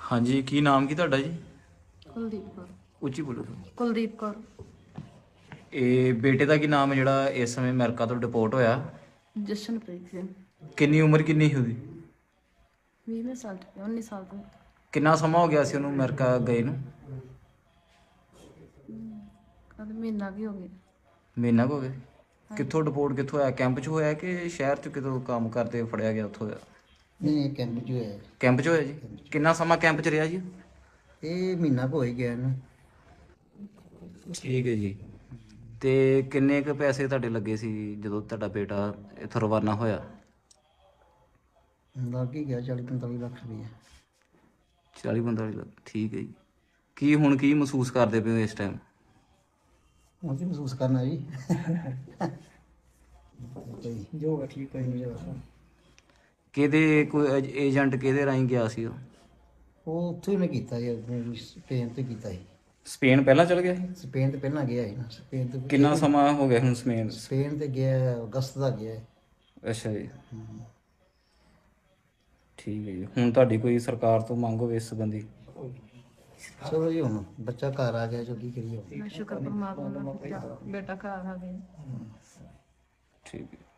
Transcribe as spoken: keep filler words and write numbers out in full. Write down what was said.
ਹਾਂਜੀ, ਕੀ ਨਾਮ ਕੀ ਤੁਹਾਡਾ ਜੀ? ਕੁਲਦੀਪ ਕੌਰ। ਉੱਚੀ ਬੋਲੋ ਤੁਸੀਂ। ਕੁਲਦੀਪ ਕੌਰ। ਇਹ ਬੇਟੇ ਦਾ ਕੀ ਨਾਮ ਹੈ ਜਿਹੜਾ ਇਸ ਸਮੇਂ ਅਮਰੀਕਾ ਤੋਂ ਡਿਪੋਰਟ ਹੋਇਆ? ਜਸ਼ਨਪ੍ਰੀਤ ਸਿੰਘ। ਕਿੰਨੀ ਉਮਰ ਕਿੰਨੀ ਸੀ ਉਹਦੀ? ਵੀਹਵੇਂ ਸਾਲ ਚ ਉੱਨੀ ਸਾਲ ਤੋਂ। ਕਿੰਨਾ ਸਮਾਂ ਹੋ ਗਿਆ ਸੀ ਉਹਨੂੰ ਅਮਰੀਕਾ ਗਏ ਨੂੰ? ਕਦ ਮਹੀਨਾ ਵੀ ਹੋ ਗਿਆ। ਮਹੀਨਾ ਕੁ ਹੋ ਗਿਆ। ਕਿੱਥੋਂ ਡਿਪੋਰਟ ਕਿੱਥੋਂ ਹੋਇਆ? ਕੈਂਪ 'ਚ ਹੋਇਆ ਕਿ ਸ਼ਹਿਰ 'ਚ ਕਿਤੋਂ ਕੰਮ ਕਰਦੇ ਫੜਿਆ ਗਿਆ ਉੱਥੋਂ ਹੋਇਆ? ਨਹੀਂ, ਕੈਂਪ 'ਚ ਹੋਇਆ। ਕੈਂਪ 'ਚ ਹੋਇਆ ਜੀ। ਕਿੰਨਾ ਸਮਾਂ ਕੈਂਪ 'ਚ ਰਿਹਾ ਜੀ? ਇਹ ਮਹੀਨਾ ਕੁ ਹੋ ਹੀ ਗਿਆ ਨਾ। ਠੀਕ ਹੈ ਜੀ। ਤੇ ਕਿੰਨੇ ਕੁ ਪੈਸੇ ਤੁਹਾਡੇ ਲੱਗੇ ਸੀ ਜਦੋਂ ਤੁਹਾਡਾ ਬੇਟਾ ਇੱਥੋਂ ਰਵਾਨਾ ਹੋਇਆ? ਲੱਗ ਹੀ ਗਿਆ ਚਾਲੀ ਪੰਤਾਲੀ ਲੱਖ ਰੁਪਈਆ। ਚਾਲੀ ਪੰਤਾਲੀ ਲੱਖ, ਠੀਕ ਹੈ ਜੀ। ਕੀ ਹੁਣ ਕੀ ਮਹਿਸੂਸ ਕਰਦੇ ਪਏ ਹੋ ਇਸ ਟਾਈਮ? ਹੁਣ ਕੀ ਮਹਿਸੂਸ ਕਰਨਾ ਜੀ। ਜੋ ਹੈ ਠੀਕ ਹੈ ਜੀ। ਕਿਹਦੇ ਕੋਈ ਏਜੰਟ ਕਿਹਦੇ ਰਾਹੀਂ ਗਿਆ ਸੀ ਉਹ? ਉਹ ਉੱਥੋਂ ਹੀ ਮੈਂ ਕੀਤਾ ਜੀ, ਆਪਣੇ ਸਪੇਨ ਤੋਂ ਕੀਤਾ ਸੀ। ਸਪੇਨ ਪਹਿਲਾਂ ਚਲ ਗਿਆ ਸੀ? ਸਪੇਨ ਤੇ ਪਹਿਲਾਂ ਗਿਆ ਸੀ ਨਾ। ਸਪੇਨ ਤੋਂ ਕਿੰਨਾ ਸਮਾਂ ਹੋ ਗਿਆ ਹੁਣ ਸਪੇਨ? ਸਪੇਨ ਤੇ ਗਿਆ ਅਗਸਤ ਦਾ ਗਿਆ ਹੈ। ਅੱਛਾ ਜੀ, ਠੀਕ ਹੈ ਜੀ। ਹੁਣ ਤੁਹਾਡੀ ਕੋਈ ਸਰਕਾਰ ਤੋਂ ਮੰਗ ਹੋਵੇ ਇਸ ਸੰਬੰਧੀ? ਚਲੋ ਜੀ, ਹੁਣ ਬੱਚਾ ਘਰ ਆ ਗਿਆ, ਜੋ ਕੀ ਕਰੀਏ ਹੁਣ। ਮੈਂ ਸ਼ੁਕਰ ਪਰਮਾਤਮਾ ਦਾ, ਬੇਟਾ ਘਰ ਆ ਗਿਆ। ਠੀਕ ਹੈ।